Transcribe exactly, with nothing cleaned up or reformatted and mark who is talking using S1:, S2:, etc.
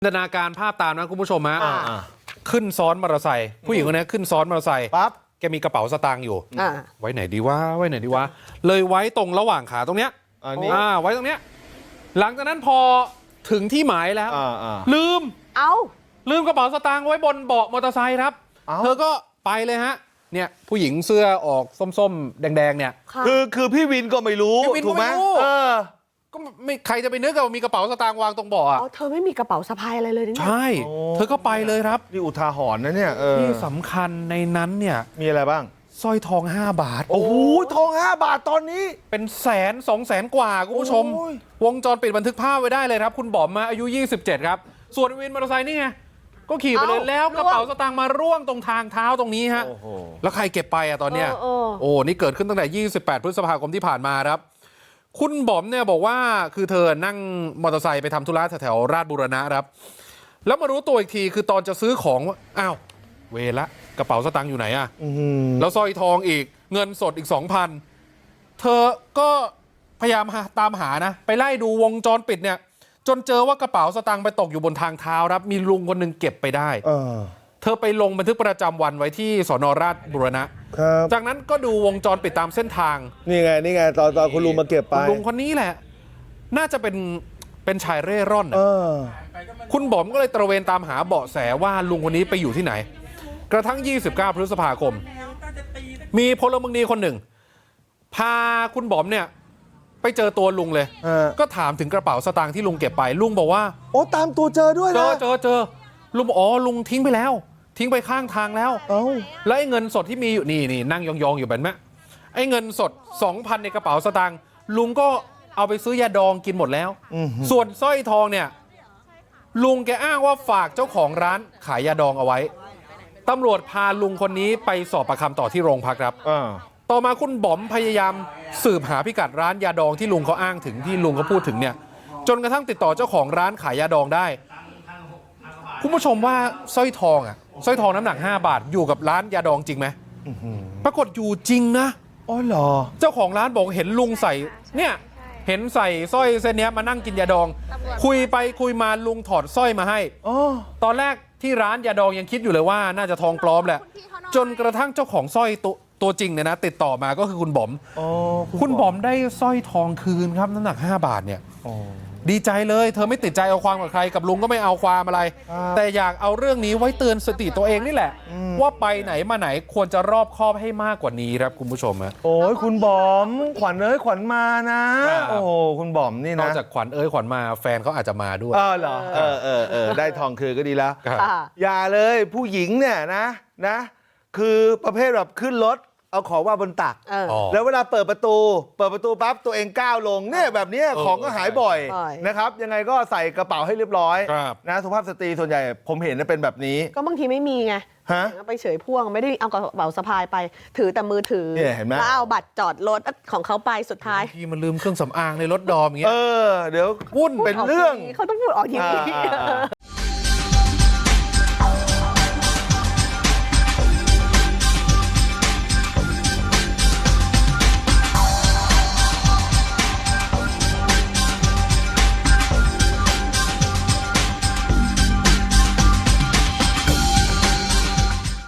S1: จินตนาการภาพตามนะคุณผู้ชมฮะ
S2: อ่า
S1: ขึ้นซ้อนมอเตอร์ไซค์ผู้หญิงคนนี้ขึ้นซ้อนมอเตอร์ไซค์
S2: ปั๊บ
S1: แกมีกระเป๋าสตางค์อยู่
S3: อ่า
S1: ไว้ไหนดีวะไว้ไหนดีวะเลยไว้ตรงระหว่างขาตรงเนี้ย
S2: อันนี้
S1: อ่าไว้ตรงเนี้ยหลังจากนั้นพอถึงที่หมายแล้ว
S2: อ่าอ่า
S1: ลืม
S3: เอา
S1: ลืมกระเป๋าสตางค์ไว้บนเบาะมอเตอร์ไซค์ครับ
S2: เอ้า
S1: เธอก็ไปเลยฮะเนี่ยผู้หญิงเสื้อออกส้มๆแดงๆเนี่ย
S3: ค่ะ
S2: คือคือพี่วินก็ไม่รู้
S1: พี่วินก็
S2: ถูกไหม
S1: ไม่รู้
S2: เออ
S1: ก็ไม่ใครจะไปนึกว่ามีกระเป๋าสตางค์วางตรงเบาะอ่ะ
S3: เอาเธอไม่มีกระเป๋าสะพายอะไรเลยนี่
S1: ใช่
S2: โอ้
S1: เธอก็ไปเลยครับ
S2: นี่อุทาหรณ์นะเนี่ยเออ
S1: ที่สำคัญในนั้นเนี่ย
S2: มีอะไรบ้าง
S1: สร้อยทองห้าบาท
S2: โอ้โหทองห้าบาทตอนนี้
S1: เป็นแสนสองแสนกว่าคุณผู้ชม
S2: โอ้ย
S1: วงจรปิดบันทึกภาพไว้ได้เลยครับคุณบอมมาอายุยี่สิบเจ็ดครับส่วนวินมอเตอร์ไซค์นี่ไงก็ขี่ไปเลยแล้วกระเป๋าสตางค์มาร่วงตรงทางเท้าตรงนี้ฮะ
S2: โอ้โห
S1: แล้วใครเก็บไปอะตอนเนี้ย
S3: เออเออ
S1: โอ้นี่เกิดขึ้นตั้งแต่ยี่สิบแปดพฤษภาคมที่ผ่านมาครับคุณบอมเนี่ยบอกว่าคือเธอนั่งมอเตอร์ไซค์ไปทำธุระแถวๆราชบุรณะครับแล้วมารู้ตัวอีกทีคือตอนจะซื้อของว่าอ้าวเวละกระเป๋าสตางค์อยู่ไหนอะ
S2: อื้อหือ
S1: แล้วสร้อยทองอีกเงินสดอีก สองพัน เธอก็พยายามหาตามหานะไปไล่ดูวงจรปิดเนี่ยจนเจอว่ากระเป๋าสตางค์ไปตกอยู่บนทางเท้าครับมีลุงคนหนึ่งเก็บไปได้
S2: เออ
S1: เธอไปลงบันทึกประจำวันไว้ที่สนราชบุรณะ
S2: ครับ
S1: จากนั้นก็ดูวงจรปิดตามเส้นทาง
S2: นี่ไงนี่ไงตอนตอนคุณลุงมาเก็บไป
S1: คุณลุงคนนี้แหละ น่าจะเป็นเป็นชายเร่ร่อน
S2: เอ
S1: น่ะ
S2: อ
S1: คุณบอมก็เลยตระเวนตามหาเบาะแสว่าลุงคนนี้ไปอยู่ที่ไหน กระทั่งยี่สิบเก้าพฤษภาคม มีพลเมืองดีคนหนึ่ง พาคุณบอมเนี่ยไปเจอตัวลุงเลย
S2: เออ
S1: ก็ถามถึงกระเป๋าสตางค์ที่ลุงเก็บไป ลุงบอกว่า
S2: โอ้ตามตัวเจอด้วย
S1: เจ
S2: นะ
S1: อเจอเจอลุงบอกอ๋อลุงทิ้งไปแล้ว ทิ้งไปข้างทางแล้ว
S2: เอ้า
S1: แล้วไอ้เงินสดที่มีอยู่นี่นี่นั่งยองๆอยู่แบบนี้ไอ้เงินสด สองพัน ในกระเป๋าสตางค์ลุงก็เอาไปซื้อยาดองกินหมดแล้ว
S2: อื้อหือ
S1: ส่วนสร้อยทองเนี่ยลุงแกอ้างว่าฝากเจ้าของร้านขายยาดองเอาไว้ตำรวจพาลุงคนนี้ไปสอบปากคำต่อที่โรงพักครับ
S2: อ่า
S1: ต่อมาคุณบอมพยายามสืบหาพิกัดร้านยาดองที่ลุงเขาอ้างถึงที่ลุงเขาพูดถึงเนี่ยจนกระทั่งติดต่อเจ้าของร้านขายยาดองได้คุณผู้ชมว่าสร้อยทองอ่ะสร้อยทองน้ำหนักห้าบาทอยู่กับร้านยาดองจริงไหม
S2: อื้อหือ
S1: ปรากฏอยู่จริงนะ
S2: อ๋อเหรอ
S1: เจ้าของร้านบอกเห็นลุงใส่เนี่ยเห็นใส่สร้อยเส้นเนี้ยมานั่งกินยาดอง คุยไปคุยมาลุงถอดสร้อยมาให้
S2: อ๋อ
S1: ตอนแรกที่ร้านยาดองยังคิดอยู่เลยว่าน่าจะทองปลอมแหละจนกระทั่งเจ้าของสร้อยตัวตัวจริงเนี่ยนะติดต่อมาก็คือคุณบอม
S2: อ๋อ
S1: คุณบอมได้สร้อยทองคืนครับน้ำหนักห้าบาทเนี่ย
S2: อ๋อ
S1: ดีใจเลยเธอไม่ติดใจเอาความกับใครกับลุงก็ไม่เอาความอะไร
S2: ครับ
S1: แต่อยากเอาเรื่องนี้ไว้เตือนสติตัวเองนี่แหละ
S2: อืม
S1: ว่าไปไหนมาไหนควรจะรอบคอบให้มากกว่านี้ครับคุณผู้ชมฮะ
S2: โอ้ยคุณบอม ขวัญเอ้ยขวัญมานะ
S1: ครับ
S2: โอ้โหคุณบอมนี่
S1: น
S2: นะ
S1: อกจากขวัญเอ้ยขวัญมาแฟนเขาอาจจะมาด้วย
S2: เออเหรอเออเออเออได้ทองคืนก็ดีแล้ว
S1: ครับ
S3: ค่ะ
S2: อย่าเลยผู้หญิงเนี่ยนะนะ คือประเภทแบบขึ้นรถเอาของว่าบนตัก
S3: เออ
S1: อ๋อ
S2: แล้วเวลาเปิดประตู เปิดประตูปั๊บตัวเองก้าวลงเนี่ยแบบเนี้ย
S1: เออ
S2: ของก็หายบ่อย
S3: บ่อย
S2: นะครับ ยังไงก็ใส่กระเป๋าให้เรียบร้อย
S1: ครับ
S2: นะสุภาพสตรีส่วนใหญ่ผมเห็นเป็นแบบนี้
S3: ก็บางทีไม่มีไง
S2: ฮะ
S3: ไปเฉยพ่วงไม่ได้เอากระเป๋าสะพายไป ถือแต่มือถือ
S2: เนี่ยเห็นไหม
S3: แล้วเอาบัตรจอดรถของเขาไปสุดท้าย
S1: ที่มันลืมเครื่องสำอางในรถดอมอย่าง
S2: เอ
S1: เงี้ย
S2: อ เดี๋ยว
S1: วุ่น
S2: เป็นเรื่อง
S3: เขาต้องพูดออกทีวี
S2: อ่าอ่าอ่า